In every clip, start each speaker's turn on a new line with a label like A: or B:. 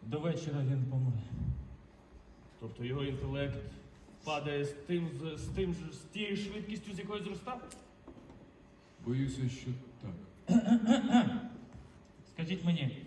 A: До вечора він помре.
B: Тобто його інтелект падає з тією швидкістю, з якою зростав?
C: Боюся, що так.
A: Скажіть мені,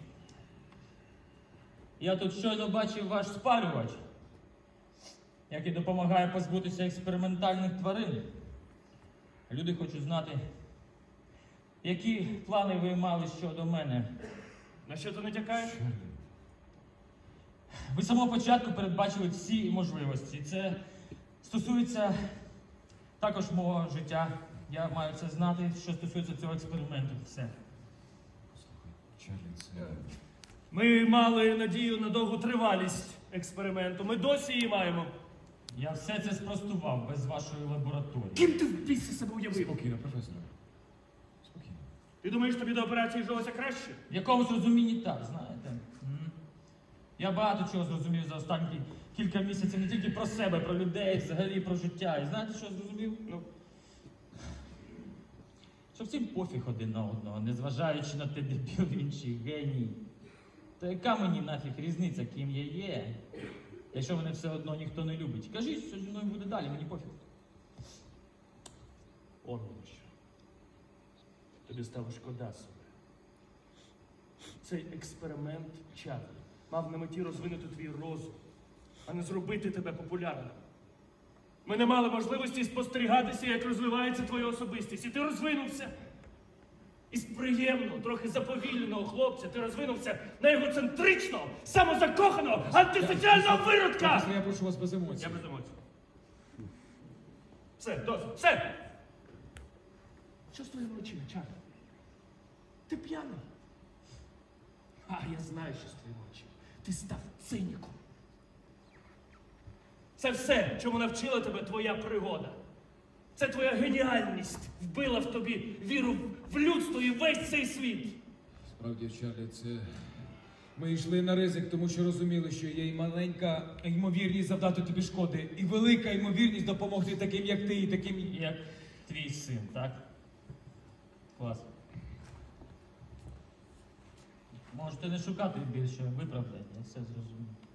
A: я тут щойно бачив ваш спалювач, який допомагає позбутися експериментальних тварин. Люди хочуть знати, які плани ви мали щодо мене.
B: На що ти натякаєш?
C: Чарлі,
A: Ви з самого початку передбачили всі можливості. Це стосується також мого життя. Я маю це знати, що стосується цього експерименту. Все.
C: послухай, Чарлі, це...
B: Ми мали надію на довгу тривалість експерименту. Ми досі її маємо.
A: Я все це спростував без вашої лабораторії.
B: Ким ти в біси себе уявив?
C: Спокійно, професоре. Спокійно.
B: Ти думаєш, тобі до операції жилося краще?
A: В якомусь розумінні так, знаєте. Я багато чого зрозумів за останні кілька місяців, не тільки про себе, про людей, взагалі про життя. І знаєте, що я зрозумів?
B: Ну,
A: Що всім пофіг один на одного, незважаючи на те, дебіл інший геній. То яка мені нафіг різниця, ким я є, якщо мене все одно ніхто не любить? Кажіть, що зі мною буде далі, мені пофіг.
B: он воно що. Тобі стало шкода себе. Цей експеримент Чарлі мав на меті розвинути твій розум, а не зробити тебе популярним. Ми не мали можливості спостерігатися, як розвивається твоя особистість. І ти розвинувся. Із приємного, трохи заповільненого хлопця ти розвинувся на егоцентричного, самозакоханого, антисоціального виродка!
C: Професоре, я прошу вас без емоцій.
B: Я без емоцій. Все, досить, все! Що з твоїми очима, Чарлі? Ти п'яний? А, я знаю, що з твоїми очима. Ти став циніком. Це все, чому навчила тебе твоя пригода. Це твоя геніальність вбила в тобі віру в людство і весь цей світ.
C: Справді, Чарлі, це... Ми йшли на ризик, тому що розуміли, що є і маленька ймовірність завдати тобі шкоди, і велика ймовірність допомогти таким, як ти, і таким,
A: Як твій син, так? Клас. Можете не шукати більше виправдань, я все зрозумів.